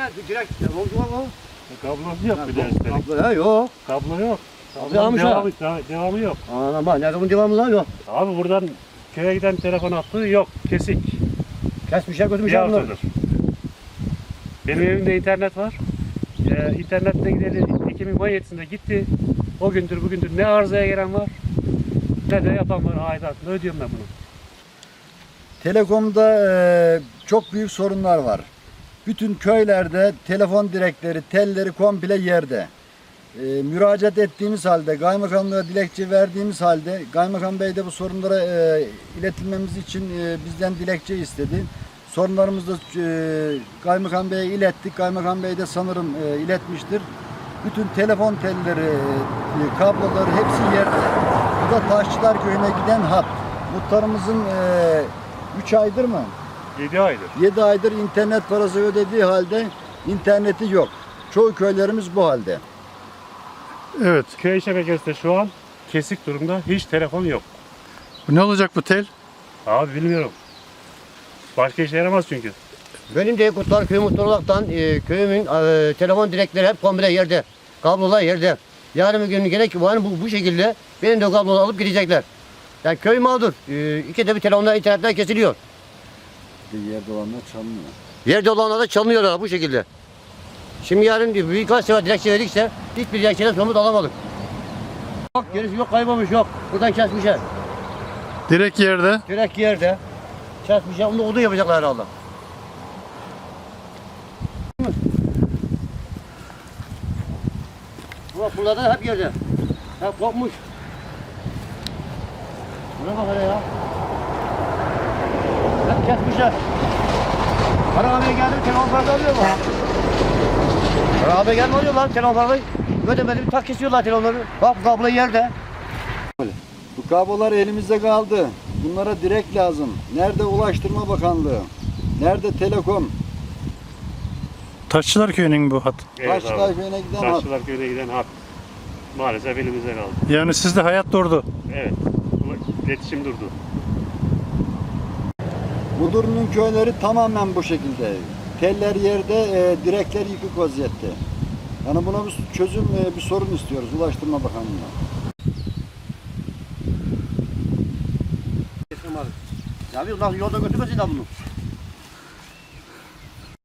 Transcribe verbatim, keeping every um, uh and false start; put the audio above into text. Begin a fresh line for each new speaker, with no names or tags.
ne? Direkt telefoncu var mı?
Kablosu yok bir de
Ha,
üstelik.
Kablo ya yok.
Kablo yok.
Kablo almış ha.
Devamı, devamı yok.
Anam bak nerede bunun devamı lan yok.
Abi buradan köye giden telefon hattı yok. Kesik.
Kesmişler
Bir
götürmüşler bunları.
haftadır. Benim evimde internet var. Ee, internette gideli iki bin on yedisinde gitti. O gündür bugündür ne arızaya gelen var ne de yapan var aidatını ödüyorum ben bunu.
Telekom'da e, çok büyük sorunlar var. Bütün köylerde telefon direkleri, telleri komple yerde. E, müracaat ettiğimiz halde, kaymakamlığa dilekçe verdiğimiz halde, kaymakam bey de bu sorunlara e, iletilmemiz için e, bizden dilekçe istedi. Sorunlarımızı da e, kaymakam beye ilettik. Kaymakam bey de sanırım e, iletmiştir. Bütün telefon telleri, e, kabloları hepsi yerde. Bu da Taşçılar Köyü'ne giden hat. Muhtarımızın e, üç aydır mı?
yedi aydır.
yedi aydır internet parası ödediği halde interneti yok. Çoğu köylerimiz bu halde.
Evet.
Köy şebekesi de şu an kesik durumda. Hiç telefon yok.
Ne olacak bu tel?
Abi bilmiyorum. Başka işe yaramaz çünkü.
Benim de Kurtlar Köyü muhtarı olaraktan e, köyümün e, telefon direkleri hep komple yerde. Kablolar yerde. Yarın bir gün gerek ki bu, bu, bu şekilde benim de kabloları alıp gidecekler. Yani köy mağdur. E, iki de bir telefonlar internetten kesiliyor.
Yerde olanlar çalınıyor.
Yerde olanlar da çalınıyorlar bu şekilde. Şimdi yarın bir birkaç sefer dilekçe verdikse hiçbir dilekçeden somut alamadık. Yok gerisi yok kaybolmuş yok. Buradan kesmişler.
Direkt yerde.
Direkt yerde. Kesmişler. Onu da odun yapacaklar herhalde. Bak bunlar da hep yerde. Hep kopmuş. Buna bak hele ya. Hep kesmişler. Arabaya geldi telefon parası alıyor mu? Arabaya gelme alıyor lan telefon parayı. Ödemedi bir tak kesiyorlar telefonları. Bak kablo yerde.
Bu kablolar elimizde kaldı. Bunlara direkt lazım. Nerede Ulaştırma Bakanlığı? Nerede Telekom?
Taşçılar Köyü'nün bu hat.
Taşçılar Köyü'ne giden hat.
Taşçılar köyüne giden hat. Maalesef elimizde kaldı.
Yani sizde hayat durdu.
Evet. İletişim durdu.
Mudurnu'nun köyleri tamamen bu şekilde. Teller yerde, e, direkler yıkık vaziyette. Yani buna bir çözüm, e, bir sorun istiyoruz Ulaştırma Bakanlığı'na.
Ya bir nasıl yolda götürmesin de bunu.